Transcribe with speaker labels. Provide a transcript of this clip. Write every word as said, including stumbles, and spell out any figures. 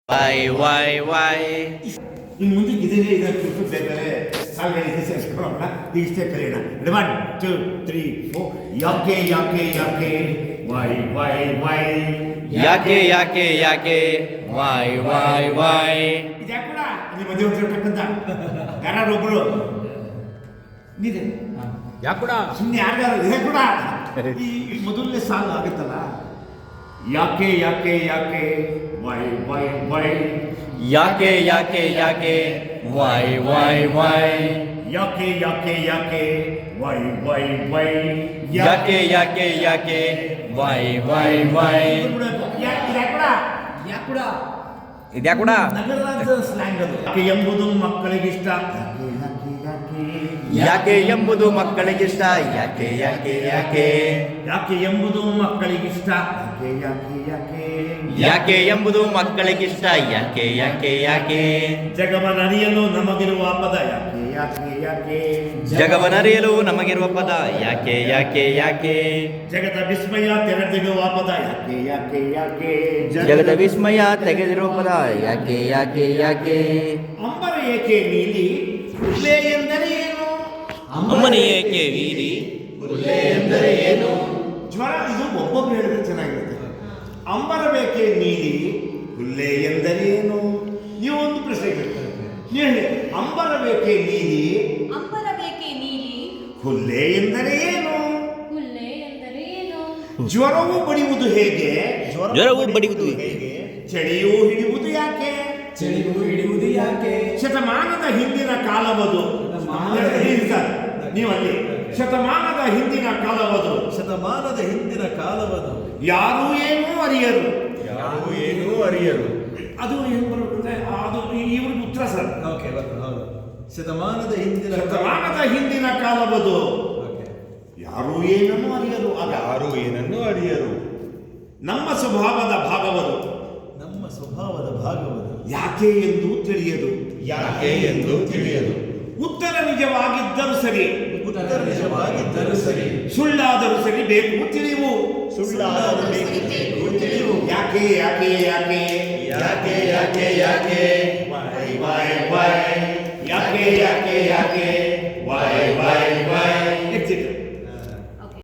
Speaker 1: Y why Y
Speaker 2: ಇನ್ನು ಮುಂದಕ್ಕೆ ಇದೇ ಇದಕ್ಕೆ ಬೇಕಾದ್ರೆ ಸಾಲ್ಗಳಿಗೆ ಸೇರಿಸ್ಕೊಳ್ಳೋಣ ಇಷ್ಟೇ ಕಲಿಯೋಣ. One two three four. ಯಾಕೆ ಯಾಕೆ ಯಾಕೆ ವೈ ವೈ ವೈ
Speaker 1: ಯಾಕೆ ಯಾಕೆ ಯಾಕೆ ವೈ ವೈ ವೈ
Speaker 2: ಇದ್ಯಾಕೂಡ ನಿಮ್ಮ ಮದುವೆ ಹೊರಟಕ್ಕಂತ ಯಾರೊಬ್ರು ನೀದೆ
Speaker 3: ಯಾಕೂಡ
Speaker 2: ಸುಮ್ಮನೆ ಯಾರ್ಯಾರು ಇದೆ ಕೂಡ ಈ ಮೊದಲನೇ ಸಾಲು ಆಗುತ್ತಲ್ಲ. ಯಾಕೆ ಯಾಕೆ ಯಾಕೆ ವೈ ವೈ ವೈ
Speaker 1: ಯಾಕೆ ಯಾಕೆ ಯಾಕೆ ವೈ ವೈ ವೈ
Speaker 2: ಯಾಕೆ ಯಾಕೆ ಯಾಕೆ ವೈ ವೈ ವೈ
Speaker 1: ಯಾಕೆ ಯಾಕೆ ಯಾಕೆ ವೈ ವೈ ವೈ
Speaker 2: ಯಾಕೂಡ
Speaker 1: ಇದ್ಯಾಕೂಡ
Speaker 2: ನಗರದ ಸ್ಲ್ಯಾಂಗ್ ಅದು. ಯಾಕೆ ಎಂಬುದು ಮಕ್ಕಳಿಗಿಷ್ಟ.
Speaker 1: ಯಾಕೆ ಎಂಬುದು ಮಕ್ಕಳಿಗಿಷ್ಟ. ಯಾಕೆ ಯಾಕೆ ಯಾಕೆ
Speaker 2: ಯಾಕೆ ಎಂಬುದು ಮಕ್ಕಳಿಗಿಷ್ಟ. ಯಾಕೆ ಯಾಕೆ
Speaker 1: ಯಾಕೆ ಎಂಬುದು ಮಕ್ಕಳಿಗಿಷ್ಟ. ಯಾಕೆ ಯಾಕೆ ಯಾಕೆ
Speaker 2: ಜಗವನರಿಯಲು ನಮಗಿರುವ ಪದ. ಯಾಕೆ ಯಾಕೆ ಯಾಕೆ
Speaker 1: ಜಗವನರಿಯಲು ನಮಗಿರುವ ಪದ. ಯಾಕೆ ಯಾಕೆ ಯಾಕೆ
Speaker 2: ಜಗದ ವಿಸ್ಮಯ ತೆರೆದಿರುವ ಪದ. ಯಾಕೆ ಯಾಕೆ ಯಾಕೆ
Speaker 1: ಜಗದ ವಿಸ್ಮಯ ತೆಗೆದಿರುವ ಪದ. ಯಾಕೆ ಯಾಕೆ ಯಾಕೆ
Speaker 2: ಅಂಬರ ಏಕೆ ನೀಲಿ ಉಲ್ಲೆ ಎಂದರೆ ಏನು.
Speaker 1: ಅಮ್ಮನಿ ಏಕೆ ವೀರಿ
Speaker 2: ಉಲ್ಲೆ ಎಂದರೆ ಏನು. ಜ್ವರ ಇದು ಒಬ್ಬೊಬ್ರು ಹೇಳಿದ್ರೆ ಚೆನ್ನಾಗಿರುತ್ತೆ. ಅಂಬರ ಬೇಕೆ ನೀಲಿ ಹುಲ್ಲೆ ಎಂದರೆ ಏನು. ನೀವು ಒಂದು ಪ್ರಶ್ನೆ ಕೇಳ್ತಾರೆ, ಹೇಳಿ ಅಂಬರ ಬೇಕೆ ನೀಲಿ
Speaker 4: ಅಂಬರ ಬೇಕೆ ನೀಲಿ
Speaker 2: ಹುಲ್ಲೆ ಎಂದರೆ ಏನು.
Speaker 4: ಹುಲ್ಲೆ ಎಂದರೆ ಏನು.
Speaker 2: ಜ್ವರವು ಬಡಿಯುವುದು ಹೇಗೆ.
Speaker 1: ಜ್ವರವು ಬಡಿಯುವುದು
Speaker 2: ಹೇಗೆ. ಚಳಿಯೂ ಹಿಡಿಯುವುದು ಯಾಕೆ.
Speaker 3: ಚಳಿಗೂ ಹಿಡಿಯುವುದು ಯಾಕೆ.
Speaker 2: ಶತಮಾನದ ಹಿಂದಿನ ಕಾಲವದು. ಸರ್ ನೀವಲ್ಲಿ ಶತಮಾನದ ಹಿಂದಿನ ಕಾಲವದು.
Speaker 3: ಶತಮಾನದ ಹಿಂದಿನ ಕಾಲವದು.
Speaker 2: ಯಾರೂ ಏನೂ ಅರಿಯರು.
Speaker 3: ಯಾರು ಏನೂ ಅರಿಯರು.
Speaker 2: ಅದು ಏನು ಬರುತ್ತೆ ಅದು ಇವ್ರಿಗೆ ಉತ್ತರ ಸರ್.
Speaker 3: ಓಕೆ ಹೌದು. ಶತಮಾನದ ಹಿಂದಿನ
Speaker 2: ಶತಮಾನದ ಹಿಂದಿನ ಕಾಲವದು. ಯಾರೂ ಏನನ್ನು ಅರಿಯರು. ಆಗ
Speaker 3: ಯಾರು ಏನನ್ನು ಅರಿಯರು.
Speaker 2: ನಮ್ಮ ಸ್ವಭಾವದ ಭಾಗವದು.
Speaker 3: ನಮ್ಮ ಸ್ವಭಾವದ ಭಾಗವದು.
Speaker 2: ಯಾಕೆ ಎಂದು ತಿಳಿಯದು.
Speaker 3: ಯಾಕೆ ಎಂದು ತಿಳಿಯದು.
Speaker 2: ಉತ್ತರ ನಿಜವಾಗಿದ್ದರೂ ಸರಿ,
Speaker 3: ಉತ್ತರ ನಿಜವಾಗಿದ್ದರೂ ಸರಿ,
Speaker 2: ಸುಳ್ಳಾದರೂ ಸರಿ ಬೇಕು ತಿಳಿವು.
Speaker 3: ಸುಳ್ಳಾದರೂ ಬೇಕು ತಿಳಿವು.
Speaker 2: ಯಾಕೆ ಯಾಕೆ ಯಾಕೆ
Speaker 3: ಯಾಕೆ ಯಾಕೆ ಯಾಕೆ
Speaker 2: ವೈ ವೈ ವೈ ಯಾಕೆ ಯಾಕೆ ಯಾಕೆ ವೈ ವೈ ವೈ